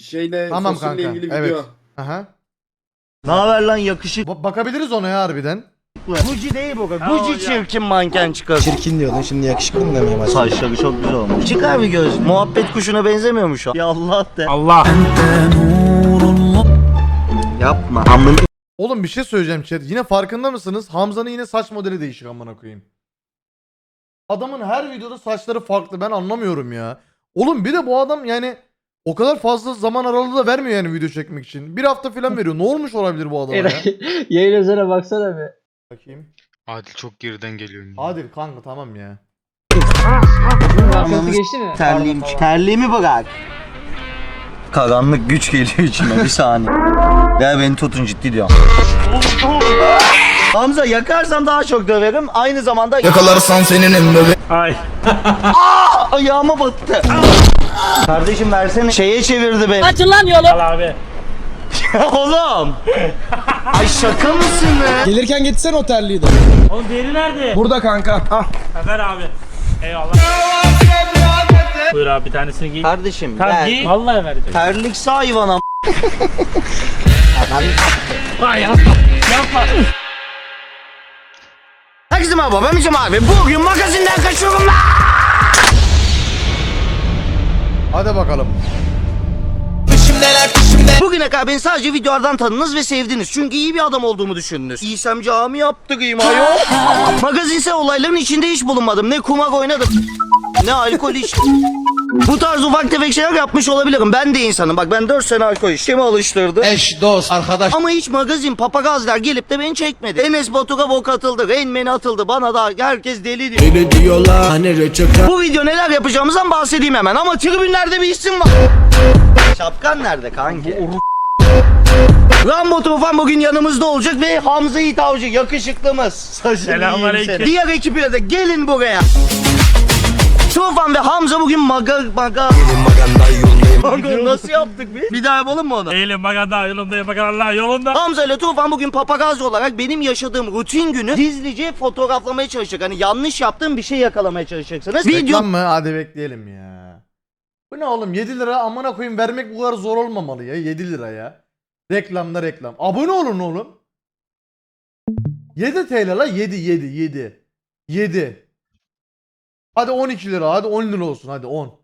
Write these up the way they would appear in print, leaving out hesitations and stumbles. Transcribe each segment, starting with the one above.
şeyle Tamam fosille kanka. ilgili Evet. video. Aha. Ne haber lan yakışık? Bakabiliriz ona ya harbiden. Gucci değil bu. Gucci çirkin manken çıkar. Çirkin diyordun şimdi yakışıklı mı demeye başladın? Saçları çok güzel olmuş. Çıkar bir göz. Muhabbet kuşuna benzemiyor mu şu an? Ya Allah de. Allah. Yapma. Amın. Oğlum bir şey söyleyeceğim chat. Yine farkında mısınız? Hamza'nın yine saç modeli değişik amına koyayım. Adamın her videoda saçları farklı. Ben anlamıyorum ya. Oğlum bir de bu adam yani o kadar fazla zaman aralığı da vermiyor yani video çekmek için. Bir hafta falan veriyor. Ne olmuş olabilir bu adama ya? Yayın üzerine baksana bir. Bakayım. Adil çok geriden geliyor. Adil kanka tamam ya. Bunun arkası geçti mi? Terliğim. Terliğimi bırak. Karanlık güç geliyor içime bir saniye. Ya beni tutun ciddi diyorum. Hamza yakarsam daha çok döverim. Aynı zamanda Yakalarsan senin emri. Ay. ayağıma battı. Kardeşim versene. Şeye çevirdi beni. Açın lan yolu. Al abi. Oğlum. Ay şaka mısın be? Gelirken getirsene o terliği de. Oğlum diğeri nerede? Burada kanka. Ah. Ver abi. Eyvallah. Buyur abi bir tanesini giy. Kardeşim Tamam ver. giy. Vallahi vereceğim. Terlikse hayvana. Ay yapma. Yapma. Herkese merhaba ben Mücem abi. Bugün magazinden kaçıyorum lan. Hadi bakalım. Bugüne kadar beni sadece videolardan tanıdınız ve sevdiniz. Çünkü iyi bir adam olduğumu düşündünüz. İysem cami yaptırayım ayol. Magazinsel olayların içinde hiç bulunmadım. Ne kumar oynadım, ne alkol içtim. Bu tarz ufak tefek şeyler yapmış olabilirim. Ben de insanım. Bak ben 4 sene alkol içtim. Kimi alıştırdı? Eş, dost, arkadaş. Ama hiç magazin, papagazlar gelip de beni çekmedi. Enes Batur'a bok atıldı, Rain Man atıldı. Bana da herkes deli diyor. Öyle diyorlar hani reçete. Bu video neler yapacağımızdan bahsedeyim hemen. Ama tribünlerde bir isim var. Şapkan nerede kanki? Rambo Tufan bugün yanımızda olacak ve Hamza Yiğit Avcı yakışıklımız. Selamünaleyküm. Diğer ekiple de gelin buraya. Tufan ve Hamza bugün maga nasıl yaptık biz? Bir daha yapalım mı onu? Eğilim maganda yolunda Allah yolunda. Hamza ile Tufan bugün papagazzi olarak benim yaşadığım rutin günü gizlice fotoğraflamaya çalışacak. Hani yanlış yaptığım bir şey yakalamaya çalışacaksınız. Reklam mı? Hadi bekleyelim ya. Bu ne oğlum 7 lira amına koyayım vermek bu kadar zor olmamalı ya 7 lira ya. Reklamda reklam. Abone olun oğlum. 7 TL la 7. Hadi 12 lira hadi 10 lira olsun hadi 10.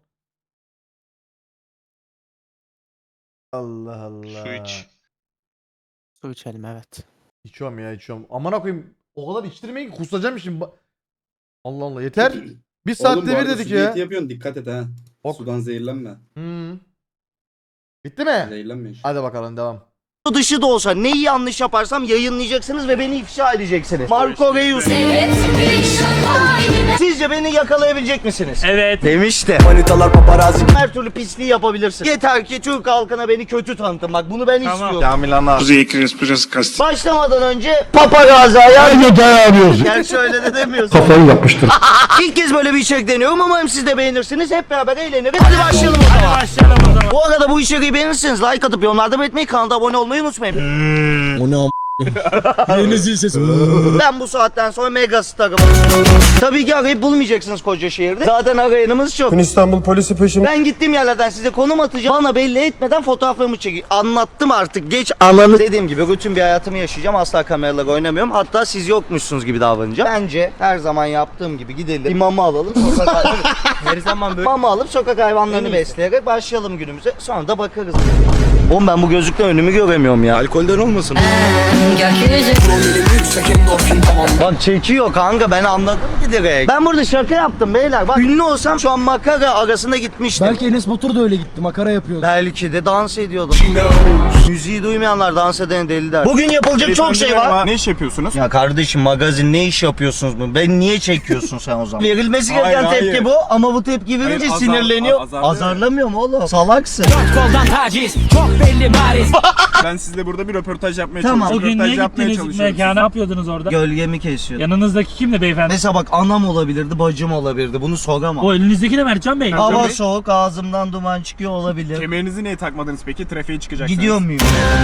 Allah Allah. Su iç. Su içelim evet. İçiyorum ya içiyorum. Amına koyayım o kadar içtirmeyin ki kusacağım şimdi. Allah Allah yeter. Bir Oğlum saatte bu bir arada dedik su ya. diyeti yapıyorsun dikkat et ha. Ok. Sudan zehirlenme. Bitti mi? Zehirlenme işte. Hadi bakalım devam. dışı da olsa neyi yanlış yaparsam yayınlayacaksınız ve beni ifşa edeceksiniz. Marco Reus. Sizce beni yakalayabilecek misiniz? Evet. Demişti. Manitalar paparazzi. Her türlü pisliği yapabilirsin. Yeter ki Türk halkına beni kötü tanıtın. Bak bunu ben Tamam. istiyorum. Başlamadan önce papagazzi ayar. Gerçi öyle de demiyorsun. Kafayı yapmıştır. İlk kez böyle bir içerik deniyorum. Umarım siz de beğenirsiniz. Hep beraber eğleniriz. Hadi başlayalım o zaman. Başlayalım o zaman. Bu arada bu içeriği beğenirseniz like atıp yorumlarda belirtmeyi, kanala abone olmayı unutmayın. O ne am... Yeni zil sesi. Ben bu saatten sonra mega starım. Tabii ki arayıp bulmayacaksınız koca şehirde. Zaten arayanımız çok. İstanbul polisi peşim. Ben gittiğim yerlerden size konum atacağım. Bana belli etmeden fotoğraflarımı çekin. Anlattım artık. Geç ananı. Dediğim gibi rutin bir hayatımı yaşayacağım. Asla kameralarla oynamıyorum. Hatta siz yokmuşsunuz gibi davranacağım. Bence her zaman yaptığım gibi gidelim. Bir mama alalım. Her zaman böyle. Mama alıp sokak hayvanlarını besleyerek başlayalım günümüze. Sonra da bakarız. Oğlum ben bu gözlükten önümü göremiyorum ya. Alkolden olmasın. Bak çekiyor kanka ben anladım ki direkt. Ben burada şaka yaptım beyler. Bak ünlü olsam şu an makara arasında gitmiştim. Belki Enes Batur da öyle gitti. Makara yapıyordu. Belki de dans ediyordum. Müziği duymayanlar dans eden deli der. Bugün yapılacak çok şey var. Ne iş yapıyorsunuz? Ya kardeşim magazin ne iş yapıyorsunuz mu? Ben niye çekiyorsun sen o zaman? Verilmesi gereken Hayır, tepki hayır. bu ama bu tepki verince Hayır, sinirleniyor. azarlıyor. Azarlamıyor mu oğlum? Salaksın. Ben sizle burada bir röportaj yapmaya Tamam. çalışıyorum. Bugün niye Röportaj yapmaya gittiniz çalışıyorum. mekana? Ne yapıyordunuz orada? Gölgemi kesiyor. Yanınızdaki kimdi beyefendi? Mesela bak anam olabilirdi, bacım olabilirdi. Bunu soramam. O elinizdeki de Mertcan Bey. Hava soğuk, ağzımdan duman çıkıyor olabilir. Kemerinizi niye takmadınız peki? Trafiğe çıkacaksınız. Gidiyor muyum?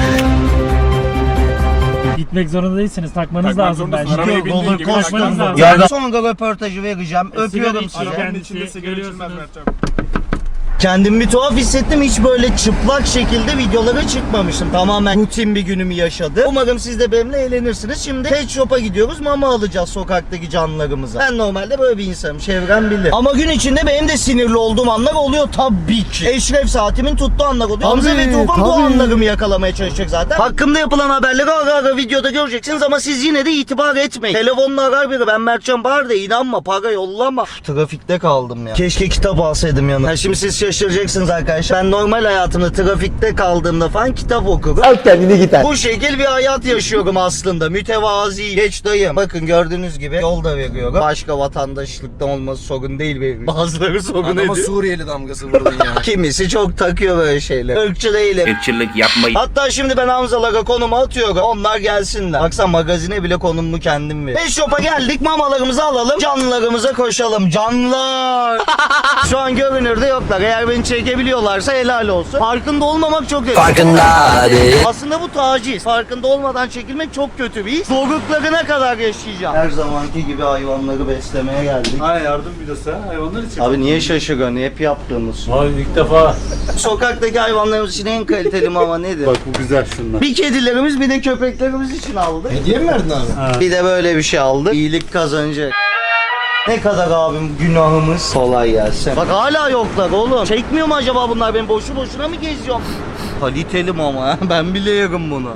Gitmek zorunda değilsiniz. Takmanız Takmak lazım zorundasın. bence. Arabaya Gidiyor, bindiğin roller gibi coaster. takmanız lazım. Ya sonra röportajı vereceğim. Öpüyorum sigara sizi. içiyor. Arabanın Kendisi, içinde sigara içilmez görüyorsunuz. Mertcan. Kendimi bir tuhaf hissettim. Hiç böyle çıplak şekilde videolara çıkmamıştım. Tamamen rutin bir günümü yaşadım. Umarım siz de benimle eğlenirsiniz. Şimdi pet shop'a gidiyoruz. Mama alacağız sokaktaki canlılarımıza. Ben normalde böyle bir insanım. Çevrem bilir. Ama gün içinde benim de sinirli olduğum anlar oluyor tabii ki. Eşref saatimin tuttuğu anlar oluyor. Hamza ve Tufan bu anlarımı yakalamaya çalışacak zaten. Hakkımda yapılan haberleri ara ara videoda göreceksiniz ama siz yine de itibar etmeyin. Telefonla arar biri. Ben Mertcan Bahar da inanma. Para yollama. Trafikte kaldım ya. Keşke kitap alsaydım yanıma. Ha, şimdi siz şaşıracaksınız arkadaşlar. Ben normal hayatımda trafikte kaldığımda falan kitap okurum. Al kendini gider. Bu şekil bir hayat yaşıyorum aslında. Mütevazi. Geç dayım. Bakın gördüğünüz gibi yol da veriyorum. Başka vatandaşlıktan olması sorun değil benim. Bazıları sorun ediyor. Suriyeli damgası vurdun ya. Kimisi çok takıyor böyle şeyler. Irkçı değilim. Irkçılık yapmayın. Hatta şimdi ben Hamzalara konumu atıyorum. Onlar gelsinler. Baksana magazine bile konumumu kendim veriyorum. Pet shop'a geldik. Mamalarımızı alalım. Canlılarımıza koşalım. Canlılar. Şu an görünürde yoklar. Eğer beni çekebiliyorlarsa helal olsun. Farkında olmamak çok kötü. Farkında değil. Aslında bu taciz. Farkında olmadan çekilmek çok kötü bir his. Zorluklarına kadar yaşayacağım. Her zamanki gibi hayvanları beslemeye geldik. Ha yardım videosu ha hayvanlar için. Abi niye şaşırıyorsun? Hep yaptığımız. Abi ilk defa. Sokaktaki hayvanlarımız için en kaliteli mama nedir? Bak bu güzel şunlar. Bir kedilerimiz bir de köpeklerimiz için aldık. Hediye mi verdin abi? Bir de böyle bir şey aldık. İyilik kazanacak. Ne kadar abim günahımız. Kolay gelsin. Bak hala yoklar oğlum. Çekmiyor mu acaba bunlar? Ben boşu boşuna mı geziyorum? Kaliteli mama. Ben bile yerim bunu.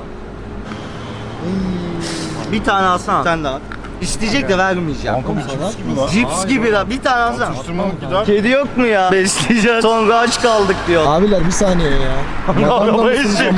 Bir tane alsana. Sen de al. İsteyecek de vermeyeceğim. Cips gibi lan. Bir tane alsana. Kedi yok mu ya? Besleyeceğiz. Sonra aç kaldık diyor. Abiler bir saniye ya. Arabayı sürüyor.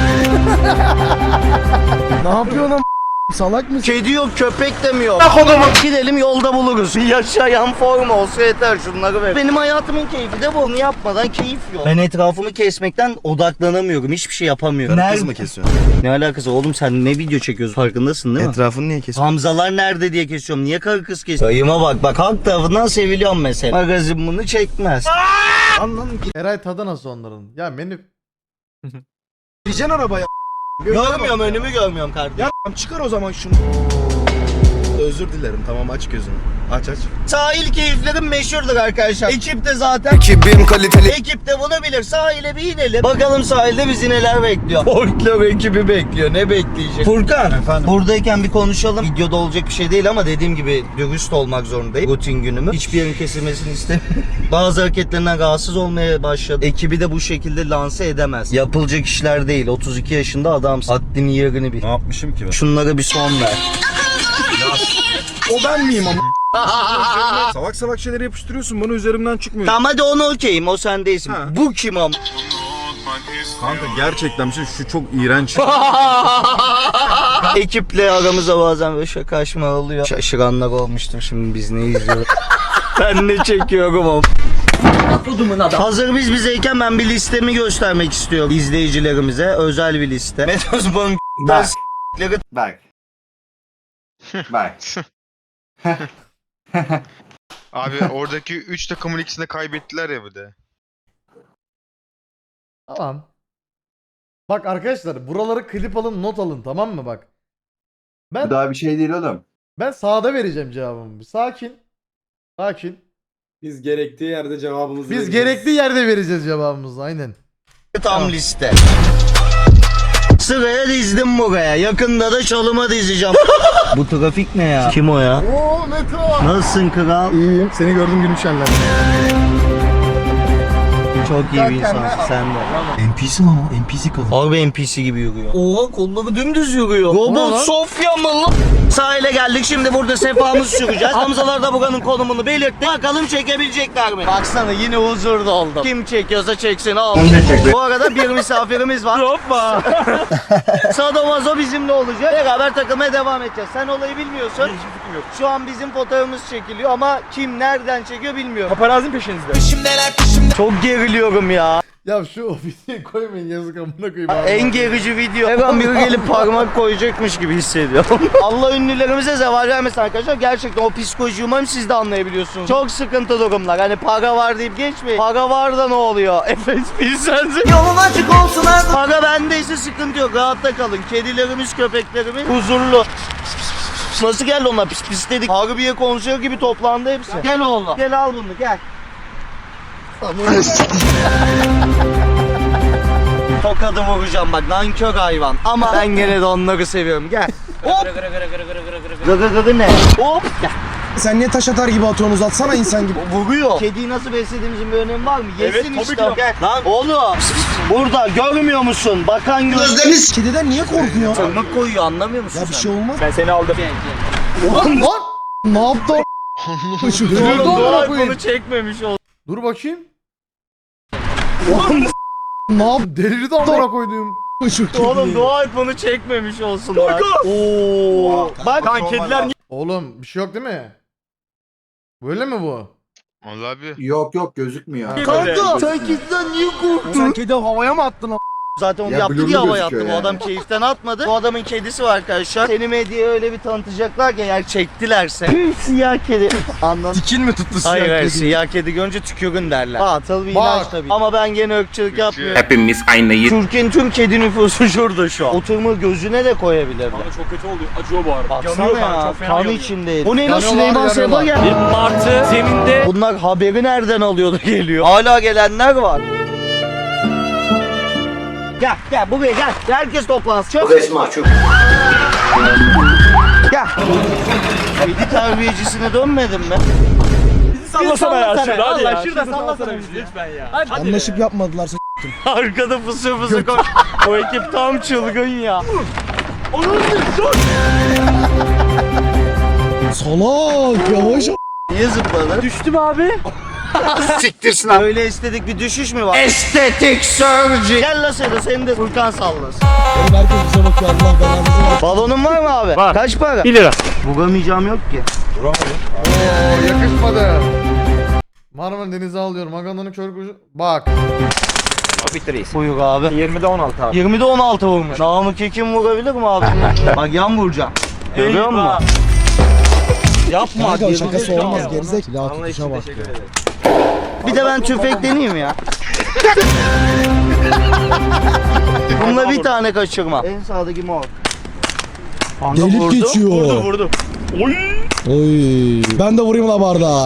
Ne yapıyorsun am? Salak mısın? Kedi yok, köpek de mi yok? Gidelim yolda buluruz. Bir yaşayan form olsa yeter, şunları ver. Benim hayatımın keyfi de bu. Bunu yapmadan keyif yok. Ben etrafımı kesmekten odaklanamıyorum. Hiçbir şey yapamıyorum. Kız mı kesiyorsun? Ne alakası oğlum, sen ne video çekiyorsun farkındasın değil mi? Etrafını niye kesiyorsun? Hamzalar nerede diye kesiyorum. Niye karı kız kesiyorum? Dayıma bak halk tarafından seviliyorum mesela. Magazin bunu çekmez. Anladın ki. Eray tadı nasıl onların? Ya beni Diyeceksin arabaya. Görmüyorum, önümü görmüyorum kardeşim. Ya çıkar o zaman şunu. Özür dilerim, tamam aç gözünü. Aç. Sahil keyiflerim meşhurdur arkadaşlar. Ekip de zaten. Ekibim kaliteli. Ekip de bunu bilir. Sahile bir inelim. Bakalım sahilde bizi neler bekliyor. Folklor ekibi bekliyor. Ne bekleyecek? Furkan. Efendim? Buradayken bir konuşalım. Videoda olacak bir şey değil ama dediğim gibi dürüst olmak zorundayım. Rutin günümü. Hiçbir yerin kesilmesini istemiyorum. Bazı hareketlerinden rahatsız olmaya başladı. Ekibi de bu şekilde lanse edemez. Yapılacak işler değil. 32 yaşında adamsın. Haddini yerini bil. Ne yapmışım ki ben? Şunlara bir son ver. O ben miyim ama? Salak şeyleri yapıştırıyorsun, bana üzerimden çıkmıyor. Tamam hadi onu okeyim. O sen değilsin. Ha. Bu kim am? Kanka gerçekten bir şey, şu çok iğrenç. Ekiple aramıza bazen böyle şakaşma oluyor. Şaşıranlar olmuştur, şimdi biz ne izliyoruz. Ben ne çekiyorum o. Hazır biz bizeyken ben bir listemi göstermek istiyorum izleyicilerimize. Özel bir liste. Metozbon Bak. Bak. Abi oradaki 3 takımın ikisini de kaybettiler ya bir de. tamam. Bak arkadaşlar buraları klip alın, not alın, tamam mı bak. Ben Daha bir şey değil oğlum. ben sağda vereceğim cevabımı. Bir sakin. Sakin. Biz gerektiği yerde cevabımızı Biz gerekli yerde vereceğiz cevabımızı, aynen. tam liste. Sıraya dizdim buraya. Yakında da çalıma dizeceğim. Bu trafik ne ya? Kim o ya? Oo Meto. Nasılsın kral? İyiyim. Seni gördüm günüm şenler. Çok iyi bir insansın sen de. NPC mi ama? NPC kalın. Harbi NPC gibi yürüyor. Oha kolları dümdüz yürüyor. Ne Robot lan? Sofya mı lan? Sahile geldik, şimdi burada sefamızı süreceğiz. Hamzalar da buranın konumunu belirtti. Bakalım çekebilecekler mi? Baksana yine huzurda oldum. Kim çekiyorsa çeksin al. Bu arada bir misafirimiz var. Hoppa. Sadomazo bizimle olacak. Beraber takılmaya devam edeceğiz. Sen olayı bilmiyorsun. Hiçbir fikrim yok. Şu an bizim fotoğrafımız çekiliyor ama kim nereden çekiyor bilmiyorum. Paparazin peşinizde. Çok geriliyorum ya. Ya şu videoyu koymayın, yazık amına koyayım. En gerici video. Her an biri gelip parmak koyacakmış gibi hissediyorum. Allah ünlülerimize zeval vermesin arkadaşlar. Gerçekten o psikolojiyi umarım siz de anlayabiliyorsunuz. Çok sıkıntı durumlar. Hani para var deyip geçmeyin. Para var da ne oluyor? Efes bilsensin. Yolun açık olsun abi. Para bendeyse sıkıntı yok. Rahatta kalın. Kedilerimiz, köpeklerimiz huzurlu. Nasıl geldi onlar? Pis dedik. Harbiye konuşuyor gibi toplandı hepsi. Gel oğlum. Gel al bunu gel. Tokadı vuracağım bak nankör hayvan. Ama ben gene de onları seviyorum. Gel. Hop. Gıgı gıgı ne? Hop. Gel. Sen niye taş atar gibi atıyorsun, uzatsana insan gibi. Vuruyor. Kediyi nasıl beslediğimizin bir önemi var mı? Yesin Evet, tabii işte. ki. Gel. Lan oğlum. Burada görmüyor musun? Bakan gözleriniz. Kediden niye korkuyor? Tırnak koyuyor anlamıyor musun Ya bir sen? şey olmaz. Ben seni aldım. Lan lan. Ne yaptı? Delirdi amına koyayım. Bunu çekmemiş ol. Dur bakayım. Ne yaptı? Delirdi amına koyduğum. Oğlum dua et bunu çekmemiş olsun lan. Oo. Bak Lan kediler niye? Oğlum bir şey yok değil mi? Böyle mi bu? Vallahi abi. Yok yok gözükmüyor. kanka sen kediden niye korktun? Sen kedi havaya mı attın? Zaten onu Ya yaptı blurlu diye hava gözüküyor yattı. Bu yani. adam keyiften atmadı. Bu adamın kedisi var arkadaşlar. Seni medyaya öyle bir tanıtacaklar ki eğer çektilerse. Siyah kedi. Anladın? Dikin mi tuttu siyah Hayır hayır kedi? siyah kedi görünce tükürün derler. Atıl bir Bak. inanç tabii. Ama ben gene ırkçılık yapmıyorum. Hepimiz aynıyız. Türkiye'nin tüm kedi nüfusu şurada şu an. Oturma gözüne de koyabilirler. Ama çok kötü oldu. Acıyor bu arada. Baksana Yanıyor ya. çok fena Kan yanıyor. içindeydi. Bu ne lan Yanıyorlar, Süleyman Seba yanıyorlar. gel. Bir martı zeminde Bunlar haberi nereden alıyordu geliyor. Hala gelenler var. Gel gel buraya gel. Herkes toplansın. Çok resmi çok. Gel. Kedi terbiyecisine dönmedin mi? sallasana ya sallasana. şurada hadi Allah, ya. şurada Şurada sallasana sallasana bizi bizi lütfen ya. Anlaşıp yapmadılar. Arkada fısı fısı koş. O ekip tam çılgın ya. Salak yavaş. Niye zıpladı? Düştüm abi. Siktirsin abi. Öyle estetik bir düşüş mü var? Estetik surgery. Gel la seni de Furkan sallasın. Oğlum herkes bize bakıyor, Allah belanızı versin. Balonun var mı abi? Var. Kaç para? 1 lira. Bugamayacağım yok ki. Oo yakışmadı. Marmara Denize alıyorum. Aganda'nın kör kuşu. Bak. Buyur abi. 20'de 16 abi. 20'de 16 vurmuş. Namık Ekim vurabilir mi abi? Bak yan vuracağım. Görüyor musun? Yapma. Kanka o yemin şakası ediyorum. olmaz gerizek. Silah tutuşa bak. Bir de ben tüfek deneyeyim ya. Bununla bir tane kaçırma. En sağdaki mor. Kanka Delip vurdu. geçiyor. Vurdu. Oy. Ben de vurayım la bardağa.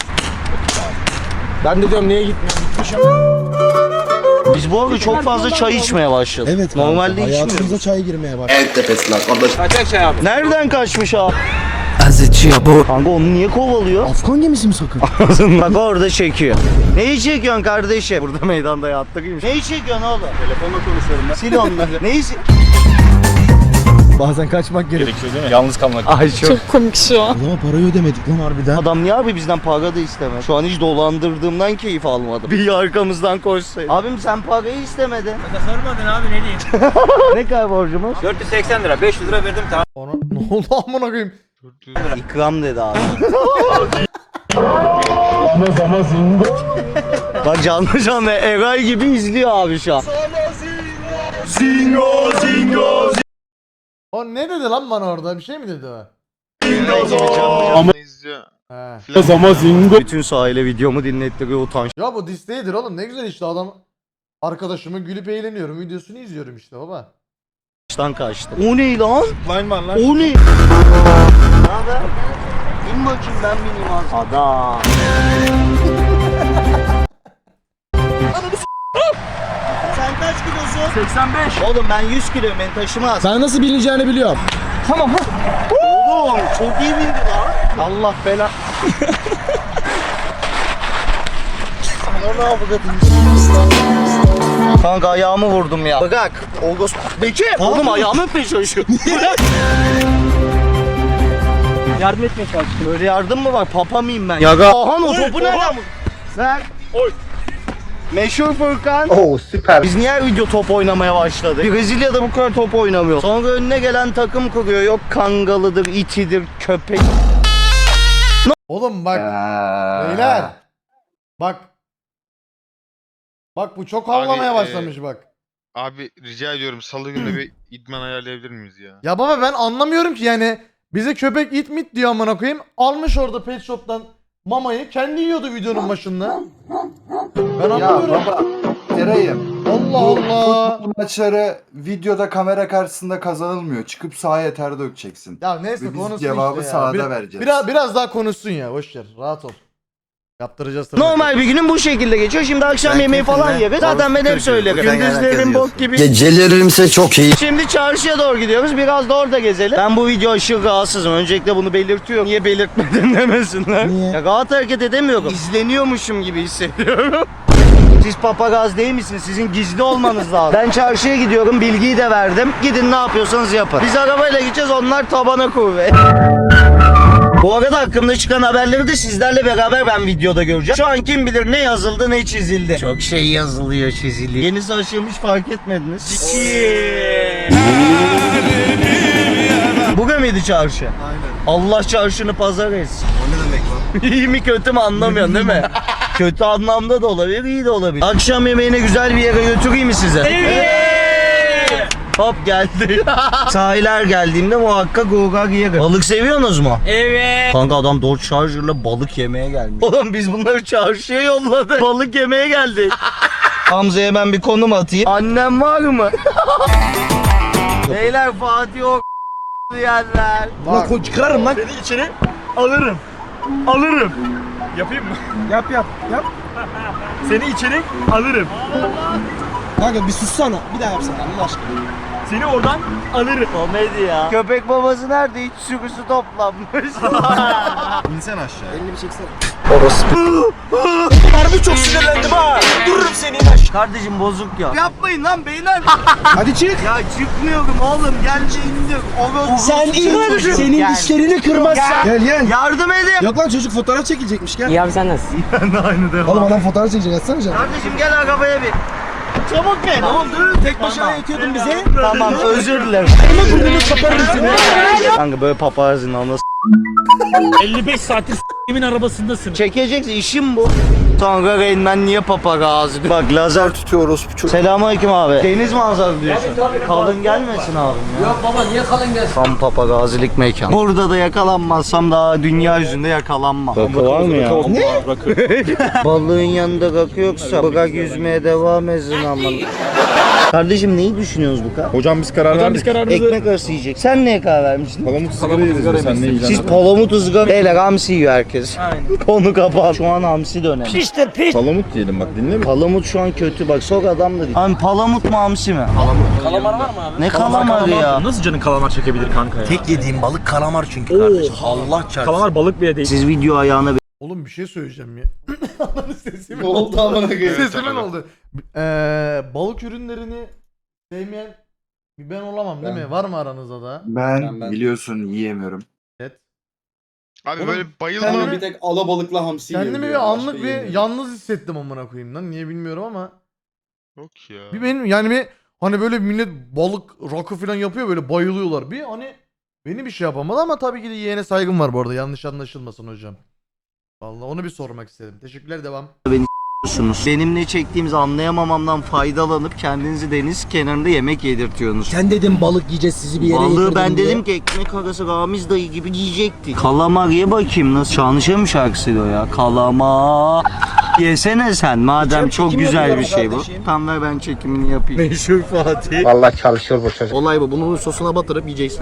Ben de diyorum niye gitmiyor? Biz bu arada çok fazla çay içmeye başladık. Evet kanka. Normalde içmiyoruz. Hayatımıza çay girmeye başladı. Kaçak şey abi. Nereden kaçmış abi? Kanka onu niye kovalıyor? Afgan gemisi mi sakın? Bak orada çekiyor. Neyi çekiyorsun kardeşim? Burada meydanda yattırayım. Neyi çekiyorsun oğlum? Telefonla konuşuyorum ben. Sil onları. Neyi sil? Bazen kaçmak gerek. Gerekiyor değil mi? Yalnız kalmak. Ay çok. Komik şu an. O zaman parayı ödemedik lan harbiden. Adam niye abi bizden para da istemez? Şu an hiç dolandırdığımdan keyif almadım. Bir arkamızdan koşsaydı. Abim sen parayı istemedin. Sormadın abi ne diyeyim. Ne kadar borcumuz? 480 lira 500 lira verdim tamam. Ona ne oldu amına koyayım? İkram dedi abi. Bak canlı canlı Eray gibi izliyor abi şu an. O ne dedi lan bana orada? Bir şey mi dedi o? Ama izliyor. He. Bütün sahile videomu dinlettiriyor utanç. Ya bu disteğidir oğlum. Ne güzel işte adam. Arkadaşımın gülüp eğleniyorum. Videosunu izliyorum işte baba. Baştan kaçtı. O ne lan? Line var lan. O ne? Ne haber? İn bakayım ben bineyim az. Adam. Sen kaç kilosun? 85. Oğlum ben 100 kiloyum beni taşımaz. Ben nasıl bilineceğini biliyorum. Oğlum çok iyi bindi lan. Allah bela. Ana ne yapacağız? Kanka ayağımı vurdum ya. Bırak. Olgos. Bekir. Oğlum ayağımı öpmeye çalışıyor. Bırak. Yardım etmeye çalıştım. Böyle yardım mı var? Papa mıyım ben? Yaga. Ahan o topu nereden vurdun? Ver. Oy. Meşhur Furkan. Oo süper. Biz niye her video top oynamaya başladık? Brezilya'da bu kadar top oynamıyor. Sonra önüne gelen takım kuruyor. Yok kangalıdır, itidir, köpek. Oğlum bak. Beyler. Bak. Bak bu çok havlamaya Abi, başlamış bak. Abi rica ediyorum salı günü bir idman ayarlayabilir miyiz ya? Ya baba ben anlamıyorum ki yani. Bize köpek it mit diyor amına koyayım. Almış orada pet shop'tan mamayı. Kendi yiyordu videonun başında. Ben anlamıyorum. Eray'ım. Allah Allah. Bu maçları videoda kamera karşısında kazanılmıyor. Çıkıp sahaya ter dökeceksin. Ya neyse Ve biz konuşsun cevabı işte ya. sahada vereceğiz. Biraz daha konuşsun ya. Boş ver. Rahat ol. Yaptıracağız tabii. Normal bir günün bu şekilde geçiyor. Şimdi akşam Ben yemeği falan keyfimle yeriz. Zaten ben hep balık söylerim. kırıyorum. Sen Gündüzlerim genelde bok gibi. Gecelerimse çok iyi. Şimdi çarşıya doğru gidiyoruz. Biraz da orada gezelim. Ben bu video aşırı rahatsızım. Öncelikle bunu belirtiyorum. Niye belirtmedin demesinler. Niye? Ya rahat hareket edemiyorum. İzleniyormuşum gibi hissediyorum. Siz papagaz değil misiniz? Sizin gizli olmanız lazım. Ben çarşıya gidiyorum. Bilgiyi de verdim. Gidin ne yapıyorsanız yapın. Biz arabayla gideceğiz. Onlar tabana kuvvet. Bu arada hakkımda çıkan haberleri de sizlerle beraber ben videoda göreceğim. Şu an kim bilir ne yazıldı ne çizildi. Çok şey yazılıyor çiziliyor. Yenisi açılmış fark etmediniz. Bugün müydü çarşı? Aynen. Allah çarşını pazar etsin. O ne demek lan? İyi mi kötü mü anlamıyorsun değil mi? Kötü anlamda da olabilir, iyi de olabilir. Akşam yemeğine güzel bir yere götüreyim mi size? Evet. Hop geldi. Sahiller geldiğimde muhakkak gogar yerim. Balık seviyorsunuz mu? Evet. Kanka adam Dodge Charger'la balık yemeye gelmiş. Oğlum biz bunları çarşıya yolladık. Balık yemeye geldik. Hamza'ya ben bir konum atayım. Annem var mı? Beyler Fatih o yerler. Bak çıkarırım lan. Seni içeri alırım. Alırım. Yapayım mı? Yap. Seni içeri alırım. Kanka bir sussana. Bir daha yapsana Allah aşkına. Seni oradan alırım. Komedi ya. Köpek babası nerede? Hiç sürüsü toplanmış. İnsen aşağı. Elini bir çeksene. Harbi çok sinirlendim ha. Dururum seni. Kardeşim bozuk ya. Yapmayın lan beyler. Hadi çık. Ya çıkmıyorum oğlum. Gel indir. Sen in. Senin dişlerini kırmazsan. Gel. Yardım edin. Yok lan çocuk fotoğraf çekilecekmiş gel. İyi abi sen nasılsın? Oğlum adam fotoğraf çekecek açsana canım. Kardeşim gel arabaya bin. Çabuk bin. Ne oldu? Tek başına yetiyordun bize. Tamam özür dilerim. Ama burnunu kaparız seni. Kanka böyle papazın anası. 55 saattir s***imin arabasındasın. Çekeceksin işim bu. Sonra Reynmen niye papagazı diyor. Bak lazer tutuyoruz. Selamünaleyküm abi. Deniz manzaralı diyorsun. Kalın gelmesin abim ya. Yok baba niye kalın gelsin? Tam papagazilik mekan. Burada da yakalanmazsam daha dünya yüzünde yakalanmam. Rakı var mı ya? Ne? Balığın yanında rakı yoksa bırak yüzmeye devam etsin aman. Kardeşim neyi düşünüyoruz bu kadar? Hocam biz karar verdik. Ekmek arası yiyecek. Sen neye karar vermiştin? Palamut sigara yeriz sen ne yiyeceksin? Siz palamut ızgara. Beyler hamsi yiyor herkes. Aynen. Konu kapan. Şu an hamsi dönemi. İşte piş. Palamut diyelim bak dinle mi? Palamut şu an kötü bak sok adam da değil. Abi palamut mu hamsi mi? Kalamar var mı abi? Ne kalamarı ya? Nasıl canın kalamar çekebilir kanka ya? Tek yediğim balık kalamar çünkü kardeşim. Allah çarpsın. Kalamar balık bile değil. Siz video ayağına Oğlum bir şey söyleyeceğim ya. Ananı sesimin Ne oldu amına koyayım? Sesimin oldu. Balık ürünlerini sevmeyen bir ben olamam değil mi? Var mı aranızda da? Ben biliyorsun yiyemiyorum. Evet. Abi Oğlum, böyle bayılma. kendimi- Bir tek alabalıkla hamsi Kendimi bir anlık bir yalnız hissettim amına koyayım lan. Niye bilmiyorum ama. Yok ya. Bir benim yani bir hani böyle millet balık rakı falan yapıyor böyle bayılıyorlar. Bir hani beni bir şey yapamadı ama tabii ki de yeğene saygım var bu arada. Yanlış anlaşılmasın hocam. Vallahi onu bir sormak istedim. Teşekkürler devam. bakıyorsunuz. Benim ne çektiğimizi anlayamamamdan faydalanıp kendinizi deniz kenarında yemek yedirtiyorsunuz. Sen dedin balık yiyeceğiz sizi bir yere Balığı ben getirdim diye. dedim ki ekmek arası Ramiz dayı gibi yiyecektik. Kalamar ye bakayım nasıl? Şanışa mı şarkısıydı o ya? Kalamar. Yesene sen madem çok çekim güzel bir yapıyorum şey bu. kardeşim. Tam ver ben çekimini yapayım. Meşhur Fatih. Vallahi çalışıyor bu çocuk. Olay bu. Bunu sosuna batırıp yiyeceksin.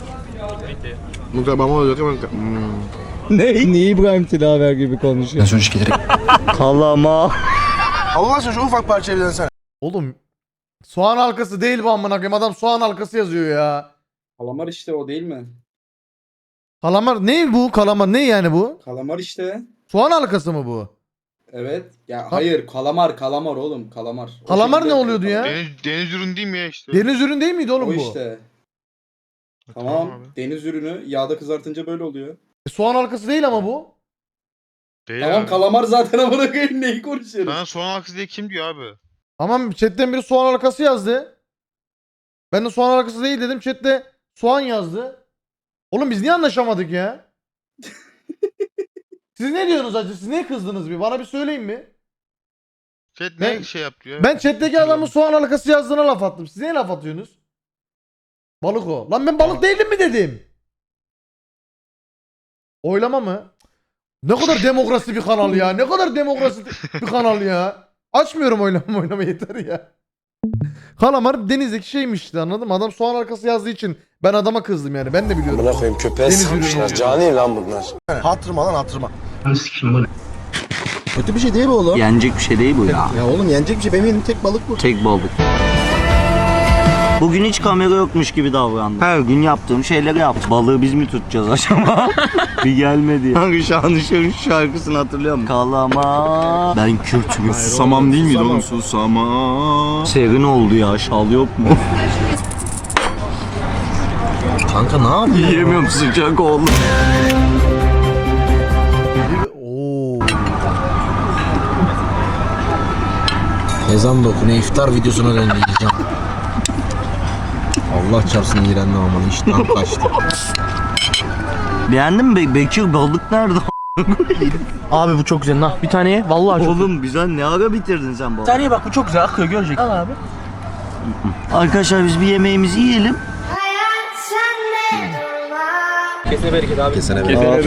Mükemmel olacak hemen. Ne? Niye İbrahim Tilaver gibi konuşuyor? Kalamar. Allah aşkına şu ufak parçayı bir dönsene. Oğlum soğan halkası değil bu amına koyayım. Adam soğan halkası yazıyor ya. Kalamar işte o değil mi? Kalamar ne bu? Kalamar ne yani bu? Kalamar işte. Soğan halkası mı bu? Evet. Ya hayır kalamar oğlum kalamar. O Kalamar şekilde ne oluyordu ya? Deniz ürün değil mi ya işte? Deniz ürün değil miydi oğlum O bu? işte. Tamam. abi. Deniz ürünü yağda kızartınca böyle oluyor. Soğan halkası değil ama bu. Değil Tamam abi. kalamar zaten amına koyayım neyi konuşuyoruz? Sana soğan halkası diye kim diyor abi? Tamam chatten biri soğan halkası yazdı. Ben de soğan halkası değil dedim. Chatte soğan yazdı. Oğlum biz niye anlaşamadık ya? Siz ne diyorsunuz acı? Siz niye kızdınız bir? Bana bir söyleyin mi? Chat Ben- ne şey yaptı ya? Ben chatteki adamın soğan halkası yazdığına laf attım. Siz niye laf atıyorsunuz? Balık o. Lan ben balık değilim mi dedim? Oylama mı? Ne kadar demokrasi bir kanal ya. Ne kadar demokrasi bir kanal ya. Açmıyorum oylama yeter ya. Kalamar denizdeki şeymiş işte anladın mı? Adam soğan halkası yazdığı için ben adama kızdım yani. Ben de biliyorum. Buna koyayım köpeğe Deniz sıkmışlar. ürünü. Cani lan bunlar. Hatırıma lan hatırıma. Kötü bir şey değil mi oğlum? Yenecek bir şey değil bu ya. Ya oğlum yenecek bir şey. Benim elim tek balık bu. Tek balık. Bugün hiç kamera yokmuş gibi davrandım. Her gün yaptığım şeyleri yaptım. Balığı biz mi tutacağız acaba? Bir gelmedi. Hangi Şanışer'in şarkısını hatırlıyor musun? Kalama. Ben Kürt'üm. Susamam değil miydi oğlum? Susamam. Serin oldu ya. Şal yok mu? Kanka ne yapıyorsun? Yiyemiyorum, sıcak oldu. Oo. Ezan da okunu iftar videosuna döndü diyeceğim. Allah çarpsın iğrendim aman iştahım kaçtı. Beğendin mi? Bekir balık nerede? Abi bu çok güzel. Bir taneye vallahi Oğlum güzel, ne ara bitirdin sen balığı? Bir taneye bak bu çok güzel akıyor görecek. Al abi. Arkadaşlar biz bir yemeğimizi yiyelim. Kesene bereket abi. Kesene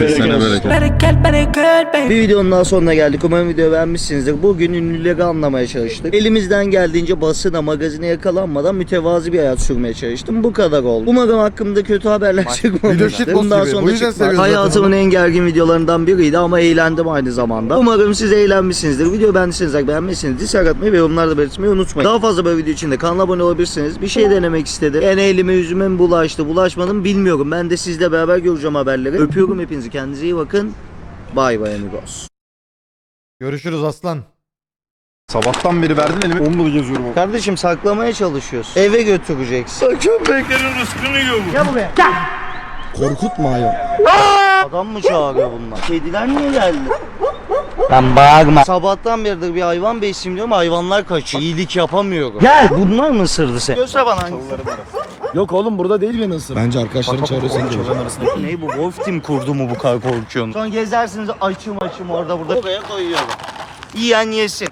bereket. Bir videonun daha sonuna geldik. Umarım videoyu beğenmişsinizdir. Bugün ünlüleri anlamaya çalıştık. Elimizden geldiğince basına, magazine yakalanmadan mütevazi bir hayat sürmeye çalıştım. Bu kadar oldu. Umarım hakkımda kötü haberler Video çıkmamıştır. shitpost Bundan gibi. Bu sonra yüzden çıkmaz. seviyoruz Hayatımın en gergin videolarından biriydi ama eğlendim aynı zamanda. Umarım siz eğlenmişsinizdir. Videoyu beğendiyseniz beğenmişsiniz. Dislike atmayı ve yorumlarda belirtmeyi unutmayın. Daha fazla böyle video için de kanala abone olabilirsiniz. Bir şey denemek istedim. Yani elime yüzüme mi bulaştı, bulaşmadım bilmiyorum. Ben de sizle beraber göreceğim haberleri. Öpüyorum hepinizi. Kendinize iyi bakın. Bay bay amigos. Görüşürüz aslan. Sabahtan beri verdin elime 10 balık geziyorum. Kardeşim saklamaya çalışıyorsun. Eve götüreceksin. Köpeklerin rızkını yiyor bu. Gel buraya. Gel. Korkutma ayol. Adam mı çağırıyor bunlar? Kediler niye geldi? Ben bağırma. Sabahtan beridir bir hayvan besleyeyim diyorum, hayvanlar kaçıyor. İyilik yapamıyorum. Gel. Bunlar mı ısırdı seni? Göster bana hangisi. Yok oğlum burada değil beni ısır. Bence arkadaşların çağırıyor seni çağırıyor. Ne bu? Wolf Team kurdu mu bu kadar korkuyorsun? Sonra gezersiniz açım orada burada. Oraya koyuyorum. Yiyen yesin.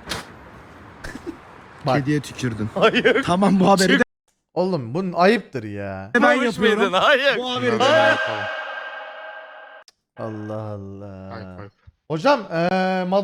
Kediye tükürdün. Hayır. Tamam bu haberi de Oğlum bunun ayıptır ya. ben yapıyorum. Hayır. Bu haberi de Allah Allah. Hocam